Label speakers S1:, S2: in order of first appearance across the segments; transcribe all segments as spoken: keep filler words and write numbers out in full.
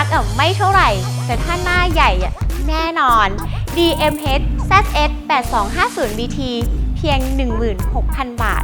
S1: อ่ะไม่เท่าไหร่แต่ถ้าหน้าใหญ่อ่ะแน่นอน ดี เอ็ม เอช แซด เอส แปดสองห้าศูนย์ บี ที เพียง หนึ่งหมื่นหกพัน บาท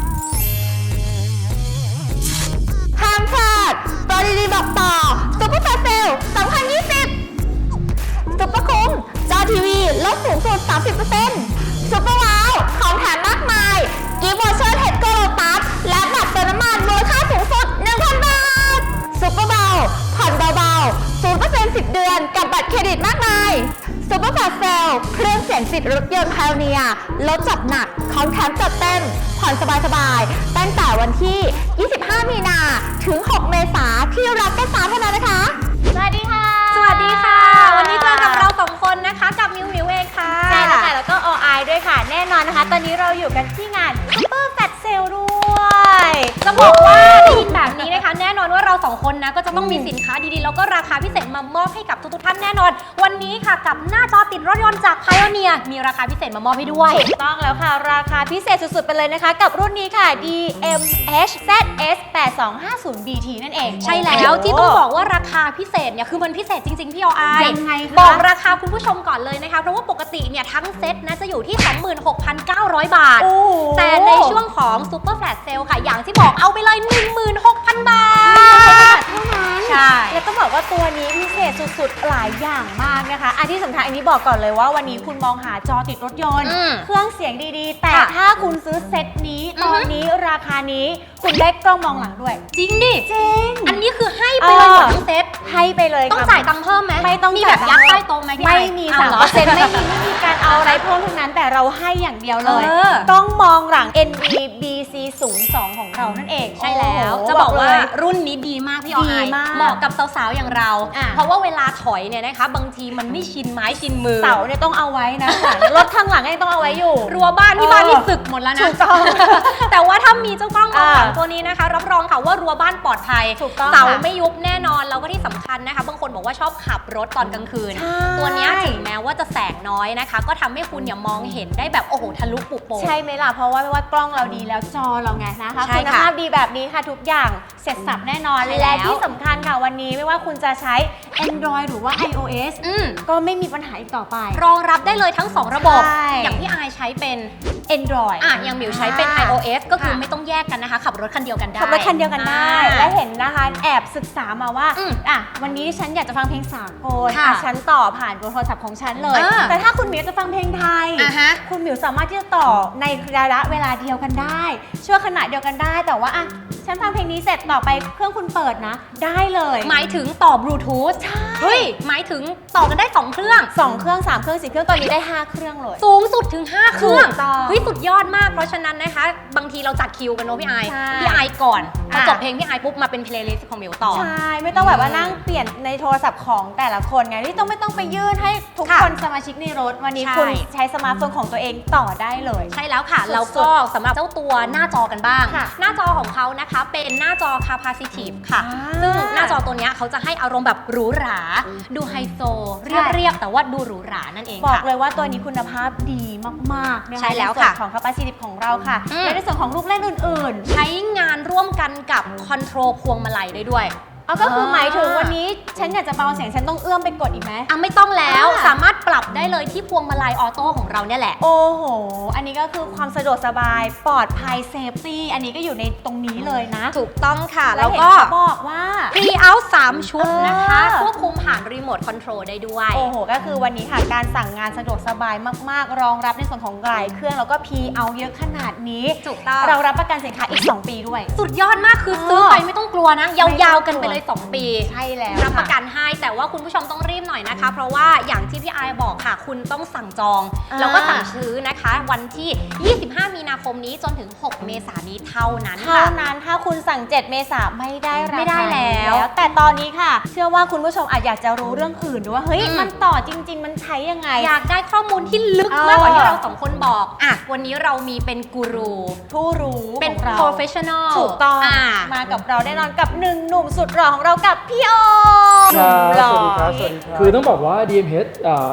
S1: ห้ามพลาดโปรดีๆบอกต่อซุปเปอร์แฟร์เซลสองพันยี่สิบซุปเปอร์คุ้มจอทีวีลดสูงสุด สามสิบเปอร์เซ็นต์ ซุปเปอร์ว้าวของแถมมากมายกิฟต์วอเชอร์เทสโกโลตัสและบัตรเติมน้ำมันมูลค่าสูงสุด หนึ่งพัน บาทซุปเปอร์เบาผ่อนเบาๆ ศูนย์เปอร์เซ็นต์ สิบ เดือนกับบัตรเครดิตมากมายซุปเปอร์แฟร์เซลเครื่องเสียงสิทธิ์รถยนต์ไพโอเนียร์ลดจัดหนักของแถมจัดเต็มผ่อนสบายๆตั้งแต่วันที่ ยี่สิบห้า มีนาถึง หก เมษาที่รักแค่สามเท่านั้นนะคะสวัสดีค่ะ
S2: สวัสดีค่ะวันนี้เจอกับเราสองคนนะคะกับมิวมิวเองค่ะ
S1: ใช่แล้วค่ะแล้วก็ออายด้วยค่ะแน่นอนนะคะตอนนี้เราอยู่กันที่งานซุปเปอร์แฟตเซลด้วย
S2: จะบอกว่าได้ยินแบบนี้นะคะแน่นอนว่าเราสองคนนะก็จะต้องมีสินค้าดีๆแล้วก็ราคาพิเศษมามอบให้กับทุกๆท่านแน่นอนวันนี้ค่ะกับหน้าจอติดรถยนต์จาก Pioneer มีราคาพิเศษมามอบให้ด้วย
S1: ถูกต้องแล้วค่ะราคาพิเศษสุดๆไปเลยนะคะกับรุ่นนี้ค่ะ ดี เอ็ม เอช แซด เอส แปดสองห้าศูนย์ บี ที นั่นเอง
S2: ใช่แล้วที่ต้องบอกว่าราคาพิเศษเนี่ยคือมันพิเศษจริงๆพี่ออาย
S1: ยังไงคะ
S2: บอกราคาคุณผู้ชมก่อนเลยนะคะเพราะว่าปกติเนี่ยทั้งเซ็ตนะจะอยู่ที่ สองหมื่นหกพันเก้าร้อย บาทแต่ในช่วงของ Super Flash Sale ค่ะอย่างที่บอกเอาไปเลย หนึ่งหมื่นหกพัน บาท
S1: เท่านั้น
S2: ใช่
S1: แล้วต้องบอกว่าตัวนี้พิเศษสุดๆหลายอย่างมากนะคะอันที่สำคัญอันนี้บอกก่อนเลยว่าวันนี้คุณมองหาจอติดรถยนต์เครื่องเสียงดีๆแต่ถ้าคุณซื้อเซ็ตนี้ตอนนี้ราคานี้คุณได้กล้องมองหลังด้วย
S2: จริงดิ
S1: จริง
S2: อันนี้คือให้ไปเลยหมดทั้งเซ็ต
S1: ให้ไปเลย
S2: ต้องจ่ายตังค์เพิ่มไหม
S1: ไม่ต้อง
S2: มีแบบยัดใต้โต๊ะไหม
S1: ไม่มีสามเปอร์เซ็นต์ไม่มีไม่มีการเอาอะไรเพิ่มทั้งนั้นแต่เราให้อย่างเดียวเลยต้องมองหลัง เอ็น บี บี ซี ศูนย์สอง ของเรานั่นเอง
S2: ใช่แล้วจะบอกว่ารุ่นนี้ดีมากพี่ออยเหมาะกับสาวๆอย่างเราเพราะว่าเวลาถอยเนี่ยนะคะบางทีมันไม่ชินไม้ชินมือ
S1: เสาเนี่ยต้องเอาไว้นะรถข้างหลังยังต้องเอาไว้อยู่
S2: รั้วบ้านที่บ้านนี่สึกหมดแล้วนะ
S1: ถูกต้อง
S2: แต่ว่าถ้ามีเจ้ากล้องมองหลังตัวนี้นะคะรับรองค่ะว่ารั้วบ้านปลอดภัยเสาไม่ยุบแน่นอนแล้วก็ที่สำคัญนะคะบางคนบอกว่าชอบขับรถตอนกลางคืนตัวนี้ถึงแม้ว่าจะแสงน้อยนะคะก็ทำให้คุณอย่ามองเห็นได้แบบโอ้โหทะลุปุโป
S1: ใช่ไหมล่ะเพราะว่าไม่ว่ากล้องเราดีแล้วจอเราไงนะคะคุณภาพดีแบบนี้ค่ะทุกอย่างเสร็จสับแน่นอนและที่สำคัญค่ะวันนี้ไม่ว่าคุณจะใช้ Android หรือว่า iOS ก็ไม่มีปัญหาอีกต่อไป
S2: รองรับได้เลยทั้งสองระบบอย่างที่อายใช้เป็น
S1: Android
S2: อ่ะอย่างมิวใช้เป็น iOS ก็คือไม่ต้องแยกกันนะคะขับรถคันเดียวกันได้
S1: ขับรถคันเดียวกันได้และเห็นนะคะแอบศึกษามาว่าอ่ะวันนี้ฉันอยากจะฟังเพลงสากลอ่ะฉันต่อผ่านโทรศัพท์ของฉันเลยแต่ถ้าคุณมิวจะฟังเพลงไทยคุณมิวสามารถที่จะต่อในระยะเวลาเดียวกันได้ช่วงขณะเดียวกันได้แต่ว่าอ่ะฉันฟังเพลงนี้เสร็จต่อไปเครื่องคุณเปิดนะได้เลย
S2: หมายถึงต่อบลูทูธใช่เฮ้ยหมายถึงต่อกันได้สองเครื่อง
S1: สองเครื่องสามเครื่องสี่เครื่องตอนนี้ได้ห้าเครื่องเลย
S2: สูงสุดถึงห้าเครื่องเฮ้ยสุดยอดมากเพราะฉะนั้นนะคะบางทีเราจัดคิวกันเนาะพี่ไอพี่ไอก่อนพอจบเพลงพี่ไอปุ๊บมาเป็นเพลย์ลิสต์ของมิวต่อ
S1: ใช่ไม่ต้องแบบว่านั่งเปลี่ยนในโทรศัพท์ของแต่ละคนไงที่ต้องไม่ต้องไปยื่นให้ทุกคนสมาชิกในรถวันนี้คุณใช้สมาร์ทโฟนของตัวเองต่อได้เลย
S2: ใช่แล้วค่ะแล้วก็สำหรับเจ้าตัวหน้าจอกันบ้างหน้าจอของเขานะคะเป็นหน้าจอ capacitive ค่ะซึ่งหน้าจอตัวนี้เขาจะให้อารมณ์แบบหรูหราดูไฮโซเรียบๆแต่ว่าดูหรูหรานั่นเอง
S1: บอกเลยว่าตัวนี้คุณภาพดีมากๆ
S2: ใช่แล้วค่ะ
S1: ของ capacitive ของเราค่ะและในส่วนของลูกเล่นอื่น
S2: ๆใช้งานร่วมกันกับคอนโทรลพวงมาลัยได้ด้วย
S1: เอาก็คือหมายถึงวันนี้ฉันอยากจะเบาเสียงฉันต้องเอื้อมไปกดอีกไหม
S2: อ่ะไม่ต้องแล้วสามารถปรับได้เลยที่พวงมาลัยออโต้ของเราเนี่ยแหละ
S1: โอ้โหอันนี้ก็คือความสะดวกสบายปลอดภัยเซฟตี้อันนี้ก็อยู่ในตรงนี้เลยนะ
S2: ถูกต้องค่ะแล้วก็
S1: บอกว่า
S2: Free Out สามชุดนะคะควบคุมผ่านรีโมทคอนโทรลได้ด้วย
S1: โอ้โหก็คือวันนี้ค่ะการสั่งงานสะดวกสบายมากๆรองรับในส่วนของหลายเครื่องแล้วก็ Free Out เยอะขนาดนี้
S2: ถูกต้อง
S1: เรารับประกันสินค้าอีกสองปีด้วย
S2: สุดยอดมากคือซื้อไปไม่ต้องกลัวนะยาวๆกันไปเลยสองปี
S1: ใช่แล้ว
S2: รับประกันให้แต่ว่าคุณผู้ชมต้องรีบหน่อยนะคะเพราะว่าอย่างที่พี่ไอบอกค่ะคุณต้องสั่งจองแล้วก็สั่งซื้อนะคะวันที่ยี่สิบห้ามีนาคมนี้จนถึงหกเมษายนนี้เท่านั้น
S1: เท่านั้นถ้าคุณสั่งเจ็ดเมษายนไม่ได้ราคา
S2: ไม่ได้แล้ว
S1: แต่ตอนนี้ค่ะเชื่อว่าคุณผู้ชมอาจอยากจะรู้เรื่องอื่นด้วยว่าเฮ้ยมันต่อจริงๆมันใช้ยังไง
S2: อยากได้ข้อมูลที่ลึกมากกว่าที่เราสองคนบอกอ่ะวันนี้เรามีเป็นกูรู
S1: ผู้รู้
S2: เป็น professional
S1: ถูกต้องมากับเราแน่นอนกับหนึ่งหนุ่มสุดหล่อของเรากับพี่โอ
S3: สวัสดีครับสวัสดีครับคือต้องบอกว่า ดี เอ็ม เอช อ่า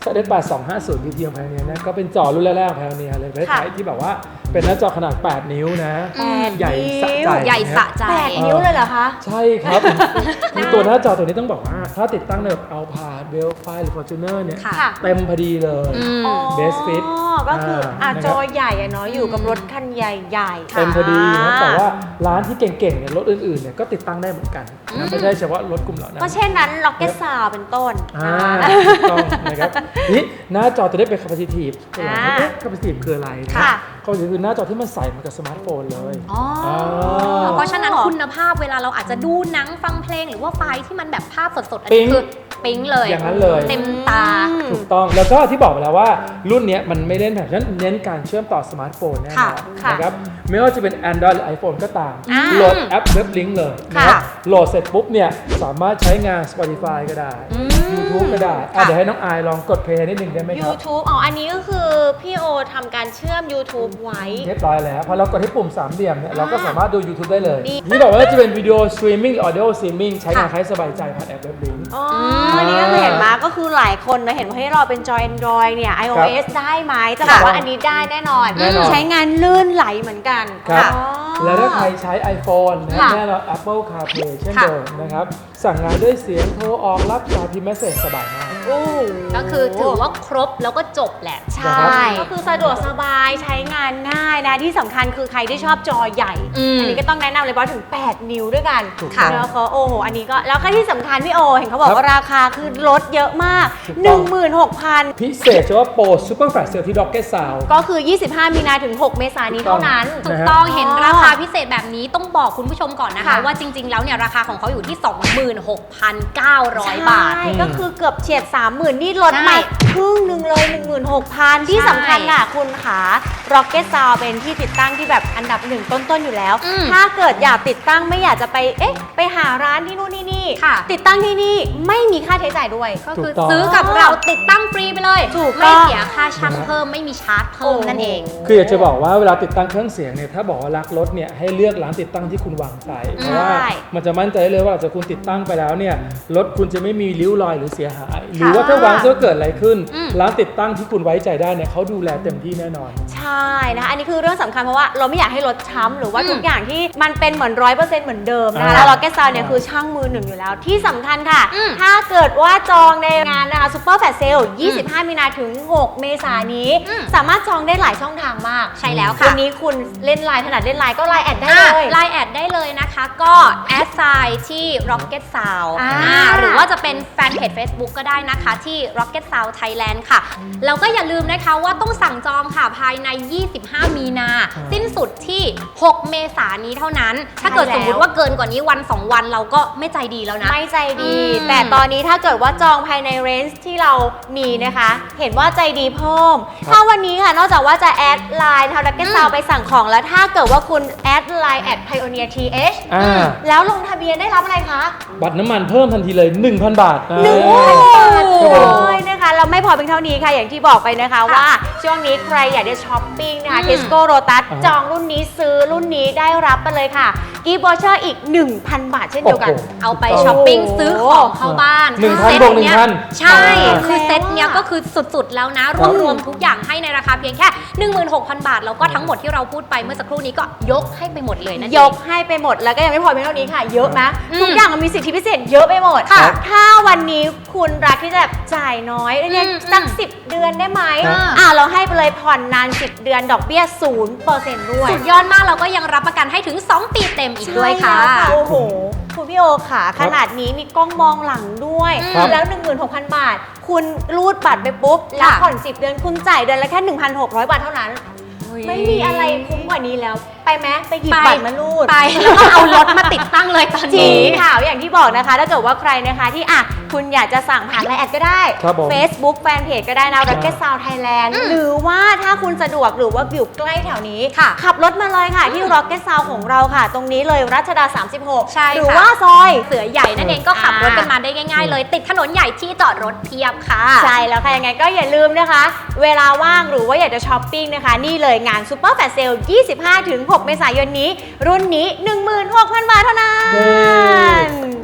S3: เดแปดสองห้าศูนย์ พี ที ของ Pioneer นะก็เป็นจอรุ่นแรกๆของ Pioneer เลยประเทศไทยที่แบบว่าเป็นหน้าจอขนาดแปดนิ้วนะ
S2: อืม
S3: ใหญ่สะใจ
S2: ใหญ่สะใจ
S1: แปดนิ้วเลยเหรอคะ
S3: ใช่ครับ คือตัวหน้าจอตัวนี้ต้องบอกว่าถ้าติดตั้งในแบบ Alphard Velfire หรือ Fortuner เนี่ย
S2: ค่ะ
S3: เต็มพอดีเลย
S2: อืม
S3: Best fit
S1: อ๋อก็คืออ่ะ
S3: อ่า
S1: จอใหญ่อะเนาะอยู่กับรถคันใหญ่ๆ
S3: เต็มพอดีนะแต่ว่าร้านที่เก่งๆเนี่ยรถอื่นๆเนี่ยก็ติดตั้งได้เหมือนกันนะไม่ใช่เฉพาะรถกลุ่มเหล่านั้น
S1: ก็เช่นนั้น Rocket Sound เป็นต้น
S3: อ่าถูกต้องนะครับนี่หน้าจอจะได้เป็น capacitive ตัวอย่าง
S1: อ่า
S3: เอ๊ะ capacitive คืออะไรนะ
S1: ค่ะ
S3: capacitive คือหน้าจอที่มันใส่มากับสมาร์ทโฟนเลย
S2: อ๋อ
S3: า
S2: เพราะฉะนั้นคุณภาพเวลาเราอาจจะดูหนังฟังเพลงหรือว่าไฟล์ที่มันแบบภาพสดๆ อัน
S3: ปิ๊
S2: นี้
S3: ง
S2: คือปิ๊งเลย
S3: อย่างนั้นเลย
S2: เต็มตา
S3: ถูกต้องแล้วก็ที่บอกไปแล้วว่ารุ่นเนี้ยมันไม่เล่นแบบฉะนั้นเน้นการเชื่อมต่อสมาร์ทโฟนแน่นอน
S1: ค่ะ
S3: นะครับไม่ว่าจะเป็น Android หรือ iPhone ก็ตาม
S2: อ่า
S3: โหลดแอป WebLink เลยนะครับโหลดเสร็จปุ๊บเนี่ยสามารถใช้งาน Spotify ก็ได้ YouTube ก็ได้อ่ะเดี๋ยวให้น้องอายลองกดเพลย์นิดหนึ่งได้ไหมครับ
S1: YouTube อ๋อ อันนี้ก็คือพี่โอทำการเชื่อม YouTube ไว้
S3: เรียบร้อยแล้วพอเรากดที่ปุ่มสามเหลี่ยมเนี่ยเราก็สามารถดู YouTube ได้เลย
S1: ดี
S3: นี่บอกว่าจะเป็นวิดีโอสตรีมมิ่งหรือ audio streaming ใช้งานใครสบายใจผ่านแอป WebLink
S1: อ๋ออันนี้ก็คือเห็นมาก็คือหลายคนนะเห็นว่าให้เราเป็นจอ Android เนี่ย iOS ได้ไหมจะบอกว่าอันนี้ได้แน่นอน
S3: แน่นอน
S1: ใช้งานลื่นไหลเหมือนกัน
S3: ครับ
S1: อ๋อ
S3: แล้วถ้าใครใช้ iPhone นะ
S1: ค่ะ
S3: แน่นอน Apple CarPlay เช่น
S2: ค่ะ
S3: เดิมนะครับ สั่งงานด้วยเสียงโทรออกรับสายพิมพ์เมสเซจสบายมาก
S1: โอ้
S2: ก็คือถือว่าครบแล้วก็จบแหละ
S1: ใช่ ก็คือสะดวกสบายใช้งานง่ายนะที่สำคัญคือใครที่ชอบจอใหญ่
S2: อืม
S1: อันนี้ก็ต้องแนะนำเลยเพราะถึง แปด นิ้วด้วยกัน
S3: ถูกต้อง
S1: แล้วเขาโอ้โหอันนี้ก็แล้วก็ที่สำคัญพี่โอ เห็นเขาบอก
S3: ครับ
S1: ว่าราคาคือลดเยอะมาก
S3: ถูกต้อง
S1: หนึ่งหมื่นหกพัน
S3: พิเศษเฉพาะโปร Super Flash Sale ที่ Rocket Sound
S1: ก็คือ ยี่สิบห้า มีนาถึง หก เมษายนนี้เท่านั้น
S2: ถู
S3: นะ
S2: ก
S3: ฮะ
S2: ต้องเห็นราคาพิเศษแบบนี้ต้องบอกคุณผู้ชมก่อนนะคะ
S1: ค่ะ
S2: ว่าจริง ๆ แล้วเนี่ยราคาของเขาอยู่ที่ สองหมื่นหกพันเก้าร้อย บาท
S1: ใช่ก็คือเกือบเฉียด สามหมื่น นี่ลด
S2: ใช่
S1: มาครึ่งหนึ่งเลย หนึ่งหมื่นหกพัน ที่สำคัญค่ะคุณขา Rocket Sound เป็นที่ติดตั้งที่แบบอันดับหนึ่งต้น ๆ อยู่แล้ว
S2: อืม
S1: ถ้าเกิดอยากติดตั้งไม่อยากจะไปเอ๊ะไปหาร้านที่นู่นที่นี่
S2: ค่ะ
S1: ติดตั้งที่นี่ไม่มีค่าใช้จ่ายด้วย
S2: ก็คือ
S3: ถูกต้อง
S2: ซื้อกับเราติดตั้งฟรีไปเลย
S1: ถูกต้
S2: ไม่
S1: อง
S2: เสียค่าช่างเพิ่มไม่มีชาร์จเพิ่มนั่นเอง
S3: คืออยากจะบอกว่าเวลาติดตั้งเครื่องเสียงเนี่ยถ้าบอกว่ารักรถเนี่ยให้เลือกร้านติดตั้งที่คุณวางใจเพราะว่ามันจะมั่นใจได้เลยว่าหลังจากคุณติดตั้งไปแล้วเนี่ยรถคุณจะไม่มีริ้วรอยหรือเสียหาย หรือว่าถ้าวางจะเกิดอะไรขึ้น
S2: อืม
S3: ร้านติดตั้งที่คุณไว้ใจได้เนี่ยเขาดูแลเต็มที่แน่นอน
S1: ใช่นะคะอันนี้คือเรื่องสำคัญเพราะว่าเราไม่อยากให้รถช้ำหรือว่า
S2: อืม
S1: ทุกอย่างที่มันเป็นเหมือนร้อยเปอร์เซ็นต์เหมือนเดิมนะคะ
S3: อ่า
S1: แล้ว Rocket Sound เนี่ยคือช่างมือหนึ่งอยู่แล้วที่สำคัญค่ะ
S2: อืม
S1: ถ้าเกิดว่าจองในงานนะคะ Super Flash Sale ยี่สิบห้า มีนาถึง หก เมษายนนี้
S2: อืม
S1: สามารถจองได้หลายช่องทางมาก
S2: ใช่แล้ว
S1: วั
S2: ค่ะ
S1: นนี้คุณเล่นไลน์ถนัดเล่นไลน์ก็ไลน์แอดได้
S2: อ่ะ
S1: เลย
S2: ไลน์แอดได้เลยนะคะ ก็แอดไซน์ที่ Rocket Sound
S1: อ่า
S2: อ่าหรือว่าจะเป็นแฟนเพจ Facebook ก็ได้นะคะที่ Rocket Sound Thailand ค่ะ แล้วก็อย่าลืมนะคะว่าต้องสั่งจองค่ะภายใน ยี่สิบห้า มีนา สิ้นสุดที่ หก เมษายนนี้เท่านั้น ถ้าเกิดสมมุติว่าเกินกว่านี้วัน สอง วันเราก็ไม่ใจดีแล้วนะ
S1: ไม่ใจดี
S2: อืม
S1: แต่ตอนนี้ถ้าเกิดว่าจองภายในเรนจ์ที่เรามีนะคะ เห็นว่าใจดีเพิ่ม
S3: ครับ
S1: ถ้าวันนี้ค่ะ นอกจากว่าจะแอดไลน์ทาง Rocket Sound ไปสั่งของแล้วถ้าเกิดว่าคุณแอดไลน์แอด Pioneer ที เอช
S3: อ่า
S1: แล้วลงทะเบียนได้รับอะไรคะ
S3: บัตรน้ำมันเพิ่มทันทีเลย หนึ่งพัน บาท
S1: หนึ่ง
S3: เอ
S1: พัน
S3: อ
S1: บาท
S3: ครับผม
S1: เลยนะคะเราไม่พอเพียงเท่านี้ค่ะ อย่างที่บอกไปนะคะว่าช่วงนี้ใครอยากได้ช้อปปิ้งนะคะ
S2: อืม
S1: Tesco Lotus
S3: อ่า
S1: จองรุ่นนี้ซื้อรุ่นนี้ได้รับไปเลยค่ะกีบอเชอร์อีก หนึ่งพัน บาทเช่นเดียวกัน
S3: โอ้โห
S2: เอาไปช้อปปิ้งซื้อของเข้าบ้าน
S3: หนึ่งพัน
S2: เซ็ต
S3: บวกหนึ่ง
S2: เนี้ย
S3: พัน
S2: ใช่
S3: อ่า
S2: คือเซ็ตเนี้ยก็คือสุดๆแล้วนะ รวมรวมทุกอย่างให้ในราคาเพียงแค่ หนึ่งหมื่นหกพัน บาท แล้วก็ทั้งหมดที่เราพูดไปเมื่อสักครู่นี้ก็ยกให้ไปหมดเลยนั่นเอง
S1: ยกให้ไปหมดแล้วก็ยังไม่พอเพียงเท่านี้ค่ะ เยอะนะ
S2: อืม
S1: ทุกอย่างมันมีสิทธิพิเศษเยอะไปหมด
S3: ค่ะ
S1: ถ้าวันนี้คุณรักที่จะจ่ายน้อยเนี่ย
S2: อืม
S1: สัก
S2: อืม
S1: สิบเดือนได้ไหม
S3: ครับ
S1: อ่าเราให้ไปเลยผ่อนนานสิบเดือนดอกเบี้ยศูนย์เปอร์เซ็นต์ด้วย
S2: สุดยอดมากเราก็ยังรับประกันให้ถึง สอง ปีเต็มอีกด้วยค่ะ
S1: ใช่แล้วโอ้โหคุณพี่โอขาขนาดนี้มีกล้องมองหลังด้วย
S3: ครับ
S1: แล้ว หนึ่งหมื่นหกพัน บาท คุณรูดบัตรไปปุ๊บแล้ว
S2: ค่ะ
S1: ผ่อนสิบเดือนคุณจ่ายเดือนละแค่ หนึ่งพันหกร้อย บาทเท่านั้น ไม่มีอะไรคุ้มกว่านี้แล้ว ไปไหมไปหยิบบัตรมารูด
S2: ไปแล้วก็เอารถมาติดตั้งเลยตอน
S1: จริง
S2: นี้
S1: ค่ะอย่างที่บอกนะคะ ถ้าเกิดว่าใครนะคะที่อ่ะคุณอยากจะสั่งผ่านไลน์แอดก็ได้
S3: ครับผม
S1: Facebook แฟนเพจก็ได้นะ Rocket Sound Thailand
S2: อืม
S1: หรือว่าถ้าคุณสะดวกหรือว่าอยู่ใกล้แถวนี้
S2: ค่ะ
S1: ขับรถมาเลยค่ะที่ Rocket Sound ของเราค่ะ ตรงนี้เลยรัชดา สามสิบหก
S2: ใช่
S1: หรือ
S2: ค่ะ
S1: ว่าซอย
S2: เสือใหญ่นั่นเองก็ขับรถกัน
S1: อ่าม
S2: มาได้ง่าย ๆ เลย ติดถนนใหญ่ที่จอดรถเพียบค่ะ
S1: ใช่แล้วค่ะ ยังไงก็อย่าลืมนะคะ เวลาว่างหรือว่าอยากจะช้อปปิ้งนะคะ นี่เลยงาน Super Flash Sale ยี่สิบห้าถึงหก เมษายนนี้ รุ่นนี้ หนึ่งหมื่นหกพัน บาทเท่านั้
S3: เย้
S1: น